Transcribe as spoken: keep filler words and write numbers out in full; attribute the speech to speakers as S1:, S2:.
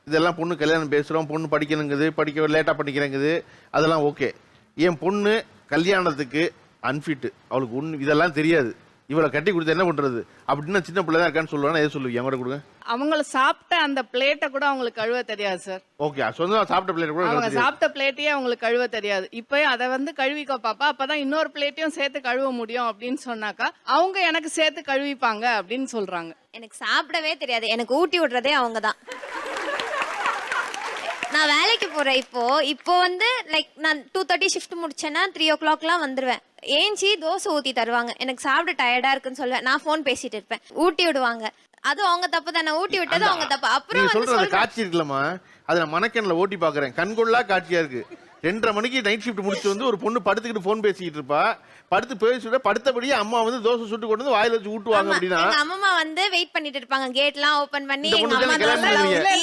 S1: இதெல்லாம் பொண்ணு கல்யாணம் பேசுகிறோம், பொண்ணு படிக்கணுங்குது, படிக்க லேட்டாக படிக்கிறேங்குது, அதெல்லாம் ஓகே. என் பொண்ணு கல்யாணத்துக்கு அன்ஃபிட்டு, அவளுக்கு ஒன்று இதெல்லாம் தெரியாது, இவளை கட்டி கொடுத்து என்ன பண்ணுறது அப்படின்னா சின்ன பிள்ளை தான் இருக்கான்னு சொல்லுவானா, எது சொல்லுவீங்க? என் கூட கொடுங்க.
S2: அவங்கள சாப்பிட்ட அந்த பிளேட்டை கூட அவங்களுக்கு கழுவ தெரியாது சார்.
S1: ஓகே, சொந்தமாக சாப்பிட்ட பிள்ளை கூட
S2: அவங்க
S1: தெரியாது.
S2: சாப்பிட்ட பிளேட்டையே அவங்களுக்கு கழுவ தெரியாது. இப்போ அதை வந்து கழுவிக்கோ பாப்பா, அப்பதான் இன்னொரு பிளேட்டையும் சேர்த்து கழுவ முடியும் அப்படின்னு சொன்னாக்கா அவங்க எனக்கு சேர்த்து கழுவிப்பாங்க அப்படின்னு சொல்றாங்க.
S3: எனக்கு சாப்பிடவே தெரியாது, எனக்கு ஊட்டி விடுறதே அவங்க தான். நான் வேலைக்கு போறேன் இப்போ இப்போ வந்து லைக் நான் டூ தேர்ட்டி ஷிஃப்ட் முடிச்சேன்னா த்ரீ ஓ கிளாக்லாம் வந்துருவேன். ஏஞ்சி தோசை ஊத்தி தருவாங்க, எனக்கு சாப்பிட டயர்டா இருக்குன்னு சொல்லுவேன், நான் ஃபோன் பேசிட்டு இருப்பேன், ஊட்டி விடுவாங்க. அது அவங்க தப்பு தானே, ஊட்டி விட்டது அவங்க தப்பு. அப்புறம் வந்து
S1: சொல்ற காட்சி இருக்குல்லம்மா, அதை நான் மனக்கண்ணில் ஓட்டி பாக்குறேன், கண்கொள்ளா காட்சியா இருக்கு. ரெண்டரை மணிக்கு நைட் ஷிஃப்ட் முடிச்சு வந்து ஒரு பொண்ணு படுத்துக்கிட்டு போன் பேசிக்கிட்டு இருப்பா, படுத்து பேசிட்டு படுத்தபடியே அம்மா வந்து தோசை சுட்டு கொண்டு வந்து வாயில வச்சு ஊட்டுவாங்க. அப்படின்னா
S3: அம்மா வந்து வெயிட் பண்ணிட்டு இருப்பாங்க, கேட்லாம் ஓபன் பண்ணி
S1: இந்த
S3: எங்க
S1: பொண்ணு
S3: அம்மா
S1: கிளம்பி
S3: தோசை